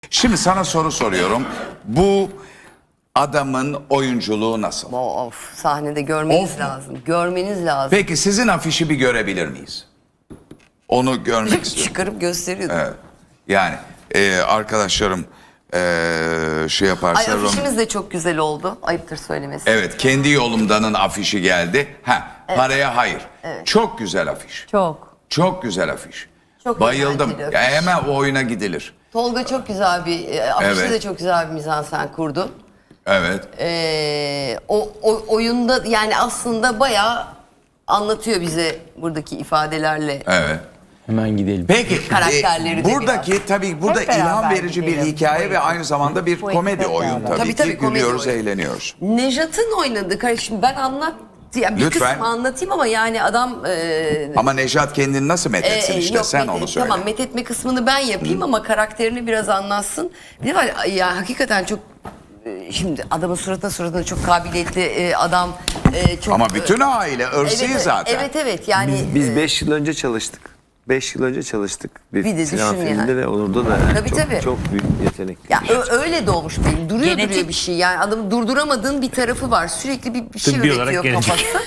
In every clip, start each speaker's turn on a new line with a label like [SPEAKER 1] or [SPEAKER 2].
[SPEAKER 1] Şimdi sana soru soruyorum. Bu adamın oyunculuğu nasıl?
[SPEAKER 2] Of, sahnede görmeniz
[SPEAKER 1] Of.
[SPEAKER 2] lazım. Görmeniz lazım.
[SPEAKER 1] Peki sizin afişi bir görebilir miyiz? Onu görmek istiyorum.
[SPEAKER 2] Çıkarıp gösteriyordu.
[SPEAKER 1] Evet. Yani arkadaşlarım şey
[SPEAKER 2] Ay,
[SPEAKER 1] yaparsa...
[SPEAKER 2] afişimiz de çok güzel oldu. Ayıptır söylemesi.
[SPEAKER 1] Evet, kendi yolumdanın afişi geldi. Paraya hayır.
[SPEAKER 2] Evet.
[SPEAKER 1] Çok güzel afiş.
[SPEAKER 3] Çok.
[SPEAKER 1] Çok güzel afiş.
[SPEAKER 2] Çok
[SPEAKER 1] Bayıldım.
[SPEAKER 2] eğlenceli
[SPEAKER 1] Ya
[SPEAKER 2] afiş.
[SPEAKER 1] hemen o oyuna gidilir.
[SPEAKER 2] Tolga çok güzel bir afişte
[SPEAKER 1] Evet.
[SPEAKER 2] de çok güzel bir mizansen kurdu.
[SPEAKER 1] Evet.
[SPEAKER 2] O oyunda yani aslında bayağı anlatıyor bize buradaki ifadelerle.
[SPEAKER 1] Evet.
[SPEAKER 4] Hemen gidelim.
[SPEAKER 1] Peki
[SPEAKER 2] Karakterleri de
[SPEAKER 1] buradaki tabii burada
[SPEAKER 3] Hep beraber
[SPEAKER 1] ilham verici bir
[SPEAKER 3] gidelim.
[SPEAKER 1] hikaye ve aynı zamanda bir
[SPEAKER 3] Bu
[SPEAKER 1] komedi
[SPEAKER 3] ekip hep
[SPEAKER 1] oyun
[SPEAKER 3] beraber.
[SPEAKER 1] tabii
[SPEAKER 2] Tabii,
[SPEAKER 1] ki.
[SPEAKER 2] komedi
[SPEAKER 1] Gülüyoruz,
[SPEAKER 2] oyun.
[SPEAKER 1] eğleniyoruz.
[SPEAKER 2] Nejat'ın oynadığı kardeşim ben yani bir
[SPEAKER 1] Lütfen.
[SPEAKER 2] kısmı anlatayım ama yani adam
[SPEAKER 1] Ama Nejat kendini nasıl methetsin işte
[SPEAKER 2] yok,
[SPEAKER 1] sen onu söyle.
[SPEAKER 2] Tamam, methetme kısmını ben yapayım ama karakterini biraz anlatsın. Bir de var ya, hakikaten çok şimdi adamın suratına çok kabiliyetli adam, çok
[SPEAKER 1] Ama bütün aile ırsıyı
[SPEAKER 2] evet,
[SPEAKER 1] zaten.
[SPEAKER 2] evet yani
[SPEAKER 4] Biz 5 yıl önce çalıştık. 5 yıl önce çalıştık.
[SPEAKER 2] Bir de
[SPEAKER 4] sinema
[SPEAKER 2] düşün
[SPEAKER 4] filminde
[SPEAKER 2] yani.
[SPEAKER 4] ve orada da yani
[SPEAKER 2] Tabii,
[SPEAKER 4] çok,
[SPEAKER 2] tabii.
[SPEAKER 4] çok büyük yetenek.
[SPEAKER 2] ya öyle doğmuş benim. Duruyor
[SPEAKER 3] Genetik.
[SPEAKER 2] bir şey. Yani adamı durduramadığın bir tarafı var. Sürekli bir şey
[SPEAKER 5] Tıbbi olarak
[SPEAKER 2] üretiyor
[SPEAKER 5] genetik.
[SPEAKER 2] kafası.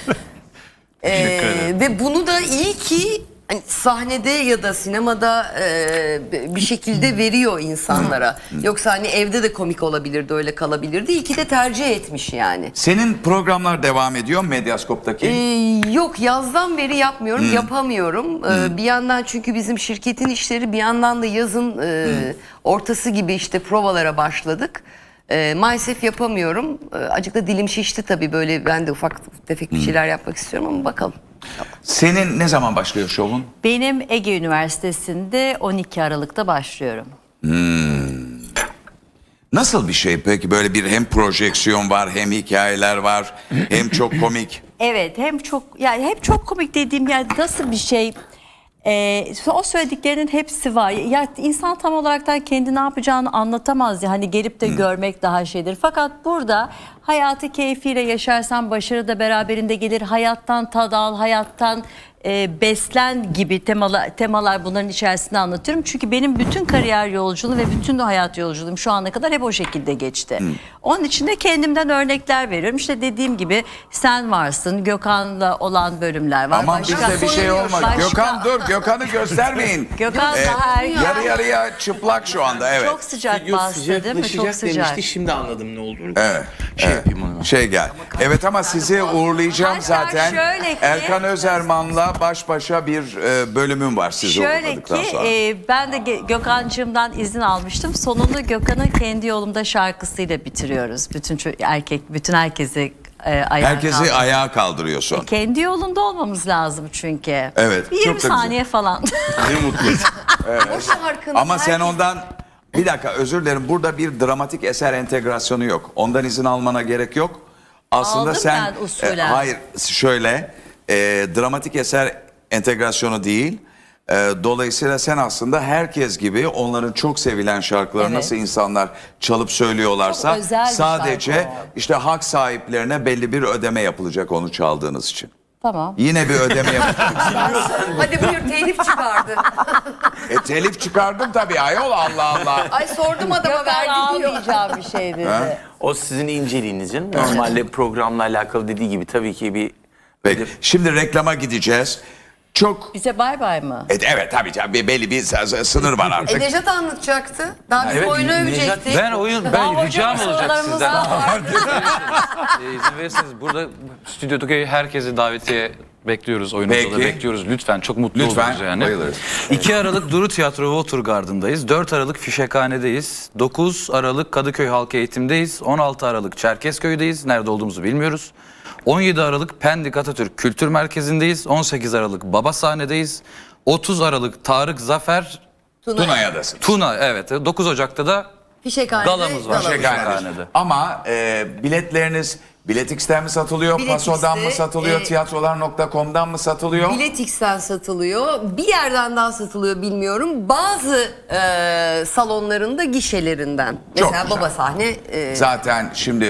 [SPEAKER 2] Ve bunu da iyi ki hani sahnede ya da sinemada bir şekilde veriyor insanlara. Yoksa hani evde de komik olabilirdi, öyle kalabilirdi. İyi ki de tercih etmiş yani.
[SPEAKER 1] Senin programlar devam ediyor mu Medyaskop'taki?
[SPEAKER 2] Yok, yazdan beri yapmıyorum, yapamıyorum. Bir yandan çünkü bizim şirketin işleri, bir yandan da yazın ortası gibi işte provalara başladık. Maalesef yapamıyorum. Acık da dilim şişti tabii, böyle ben de ufak tefek bir şeyler yapmak istiyorum ama bakalım.
[SPEAKER 1] Senin ne zaman başlıyor şovun?
[SPEAKER 3] Benim Ege Üniversitesi'nde 12 Aralık'ta başlıyorum.
[SPEAKER 1] Nasıl bir şey peki, böyle bir hem projeksiyon var hem hikayeler var hem çok komik.
[SPEAKER 3] Evet, hem çok komik dediğim, yani nasıl bir şey, o söylediklerinin hepsi var. Ya insan tam olarak da kendi ne yapacağını anlatamaz ya, hani gelip de görmek daha şeydir. Fakat burada hayatı keyfiyle yaşarsan başarı da beraberinde gelir. Hayattan tad al, hayattan beslen gibi temalar bunların içerisinde anlatıyorum. Çünkü benim bütün kariyer yolculuğum ve bütün de hayat yolculuğum şu ana kadar hep o şekilde geçti. Onun için de kendimden örnekler veriyorum. İşte dediğim gibi sen varsın, Gökhan'la olan bölümler var.
[SPEAKER 1] Aman bizde bir şey olmaz. Gökhan dur, Gökhan'ı göstermeyin.
[SPEAKER 3] Gökhan daha erken.
[SPEAKER 1] Yarı yarıya çıplak şu anda, evet.
[SPEAKER 3] Çok sıcak bastı değil mi? Çok sıcak.
[SPEAKER 5] demişti. Şimdi anladım ne olduğunu.
[SPEAKER 1] Evet.
[SPEAKER 5] Yapayım onu.
[SPEAKER 1] Şey gel. Evet ama sizi uğurlayacağım
[SPEAKER 3] Hatta
[SPEAKER 1] zaten.
[SPEAKER 3] şöyle ki-
[SPEAKER 1] Erkan Özerman'la baş başa bir bölümüm var sizi
[SPEAKER 3] Şöyle
[SPEAKER 1] uğurladıktan
[SPEAKER 3] ki
[SPEAKER 1] sonra.
[SPEAKER 3] ben de Gökhan'cığımdan izin almıştım. Sonunu Gökhan'ın Kendi Yolumda şarkısıyla bitiriyoruz. Bütün herkesi ayağa
[SPEAKER 1] Herkesi
[SPEAKER 3] kaldırıyoruz.
[SPEAKER 1] ayağa kaldırıyorsun.
[SPEAKER 3] Kendi yolunda olmamız lazım çünkü.
[SPEAKER 1] Evet,
[SPEAKER 3] Bir
[SPEAKER 1] çok
[SPEAKER 3] 20
[SPEAKER 1] da güzel.
[SPEAKER 3] saniye falan.
[SPEAKER 1] Ne mutlu.
[SPEAKER 2] O şarkının
[SPEAKER 1] Ama sen
[SPEAKER 2] herkes-
[SPEAKER 1] ondan... Bir dakika, özür dilerim. Burada bir dramatik eser entegrasyonu yok. Ondan izin almana gerek yok. Aslında
[SPEAKER 3] Aldım
[SPEAKER 1] sen...
[SPEAKER 3] ben usulen.
[SPEAKER 1] Hayır, şöyle... dramatik eser entegrasyonu değil. Dolayısıyla sen aslında herkes gibi onların çok sevilen şarkıları
[SPEAKER 3] Evet.
[SPEAKER 1] nasıl insanlar çalıp söylüyorlarsa...
[SPEAKER 3] Çok özel bir
[SPEAKER 1] sadece
[SPEAKER 3] şarkı o.
[SPEAKER 1] işte hak sahiplerine belli bir ödeme yapılacak onu çaldığınız için.
[SPEAKER 3] Tamam.
[SPEAKER 1] Yine bir ödeme yapılacak.
[SPEAKER 2] Hadi buyur, telif çıkardı.
[SPEAKER 1] Telif çıkardım tabii ayol, Allah Allah.
[SPEAKER 2] Ay sordum adama,
[SPEAKER 3] Gökhan
[SPEAKER 2] verdi diyor.
[SPEAKER 3] almayacağım bir şey dedi.
[SPEAKER 4] O sizin inceliğinizin. Normalde programla alakalı dediği gibi tabii ki bir...
[SPEAKER 1] Peki, şimdi reklama gideceğiz. Çok...
[SPEAKER 3] Bize bay bay mı?
[SPEAKER 1] Evet tabii canım, belli bir sınır var artık.
[SPEAKER 2] Nejat anlatacaktı. Daha biz
[SPEAKER 5] Evet,
[SPEAKER 2] oyunu
[SPEAKER 5] Nejat-
[SPEAKER 2] övecektik.
[SPEAKER 5] Ben ricam olacak
[SPEAKER 3] sorularımız
[SPEAKER 5] sizden.
[SPEAKER 3] var.
[SPEAKER 5] İzin verirseniz burada stüdyodaki herkesi davetiye bekliyoruz. Oyunumuza da
[SPEAKER 1] Peki.
[SPEAKER 5] bekliyoruz. Lütfen, çok mutlu
[SPEAKER 1] Lütfen,
[SPEAKER 5] oluruz yani.
[SPEAKER 1] bayılırız.
[SPEAKER 5] 2 Aralık Duru Tiyatro Watergarden'dayız. 4 Aralık Fişekhane'deyiz. 9 Aralık Kadıköy Halk Eğitim'deyiz. 16 Aralık Çerkezköy'deyiz. Nerede olduğumuzu bilmiyoruz. 17 Aralık Pendik Atatürk Kültür Merkezi'ndeyiz. 18 Aralık Baba Sahne'deyiz. 30 Aralık Tarık Zafer
[SPEAKER 1] Tuna'ya'dasın.
[SPEAKER 5] Tuna, evet. 9 Ocak'ta da
[SPEAKER 2] Fişekhane'de
[SPEAKER 5] galamız var. Fişekhane'de.
[SPEAKER 1] Ama biletleriniz Biletix'ten mi satılıyor,
[SPEAKER 2] Biletix'te,
[SPEAKER 1] Paso'dan mı satılıyor, tiyatrolar.com'dan mı satılıyor?
[SPEAKER 2] Biletix'ten satılıyor. Bir yerden daha satılıyor, bilmiyorum. Bazı salonlarında gişelerinden.
[SPEAKER 1] Çok
[SPEAKER 2] Mesela
[SPEAKER 1] güzel.
[SPEAKER 2] Baba Sahne.
[SPEAKER 1] Zaten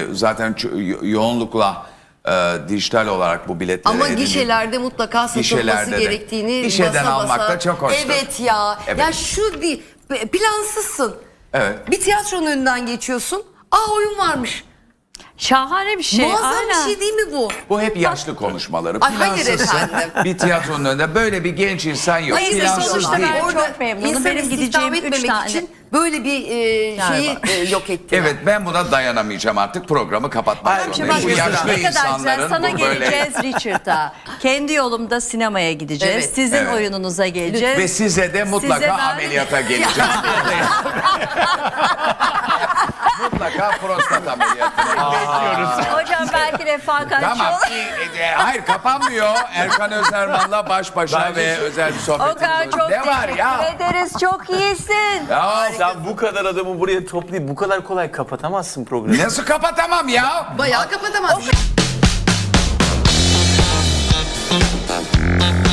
[SPEAKER 1] yoğunlukla dijital olarak bu biletleri
[SPEAKER 2] Ama
[SPEAKER 1] edinip-
[SPEAKER 2] gişelerde mutlaka satılması
[SPEAKER 1] Gişelerde de.
[SPEAKER 2] gerektiğini
[SPEAKER 1] Gişeden
[SPEAKER 2] basa
[SPEAKER 1] almak
[SPEAKER 2] basa.
[SPEAKER 1] da çok hoştur.
[SPEAKER 2] Evet ya.
[SPEAKER 1] Evet.
[SPEAKER 2] Ya şu değil. Plansızsın.
[SPEAKER 1] Evet.
[SPEAKER 2] Bir tiyatronun önünden geçiyorsun. Aa, oyun varmış.
[SPEAKER 3] Şahane bir şey.
[SPEAKER 2] Muazzam
[SPEAKER 3] aynen.
[SPEAKER 2] bir şey değil mi bu?
[SPEAKER 1] Bu hep yaşlı konuşmaları.
[SPEAKER 2] Ay, hayır
[SPEAKER 1] Plansızsın.
[SPEAKER 2] efendim.
[SPEAKER 1] Bir tiyatronun önünde böyle bir genç insan yok.
[SPEAKER 3] Hayır,
[SPEAKER 1] Plansız
[SPEAKER 3] sonuçta
[SPEAKER 1] değil.
[SPEAKER 3] ben
[SPEAKER 2] Orada
[SPEAKER 3] çok memnunum.
[SPEAKER 2] insanı
[SPEAKER 3] Benim
[SPEAKER 2] istihdam
[SPEAKER 3] gideceğim üç
[SPEAKER 2] etmemek
[SPEAKER 3] tane-
[SPEAKER 2] için böyle bir şeyi yok ettiler.
[SPEAKER 1] Evet, ben buna dayanamayacağım artık, programı kapatmak
[SPEAKER 4] Hayır,
[SPEAKER 1] zorundayım.
[SPEAKER 3] Bak,
[SPEAKER 1] Bu
[SPEAKER 4] Şimdi
[SPEAKER 1] yaşlı
[SPEAKER 3] ne kadar güzel.
[SPEAKER 1] insanların
[SPEAKER 3] Sana
[SPEAKER 1] bu böyle...
[SPEAKER 3] geleceğiz Richard'a. Kendi yolumda sinemaya gideceğiz.
[SPEAKER 2] Evet,
[SPEAKER 3] Sizin
[SPEAKER 1] evet.
[SPEAKER 3] oyununuza geleceğiz.
[SPEAKER 1] Ve size de mutlaka
[SPEAKER 3] Size ben-
[SPEAKER 1] ameliyata geleceğim. Mutlaka prostat ameliyatına bekliyoruz.
[SPEAKER 3] Hocam belki refakatçi
[SPEAKER 1] Tamam.
[SPEAKER 3] olur.
[SPEAKER 1] Hayır, kapanmıyor. Erkan Özerman'la baş başa ve özel bir sohbetimiz
[SPEAKER 3] Okan
[SPEAKER 1] olacak.
[SPEAKER 3] çok
[SPEAKER 1] Ne var
[SPEAKER 3] teşekkür
[SPEAKER 1] ya?
[SPEAKER 3] ederiz. Çok iyisin.
[SPEAKER 1] Ya
[SPEAKER 4] Sen bu kadar adamı buraya toplayıp bu kadar kolay kapatamazsın programı.
[SPEAKER 1] nasıl kapatamam ya?
[SPEAKER 2] Bayağı kapatamaz.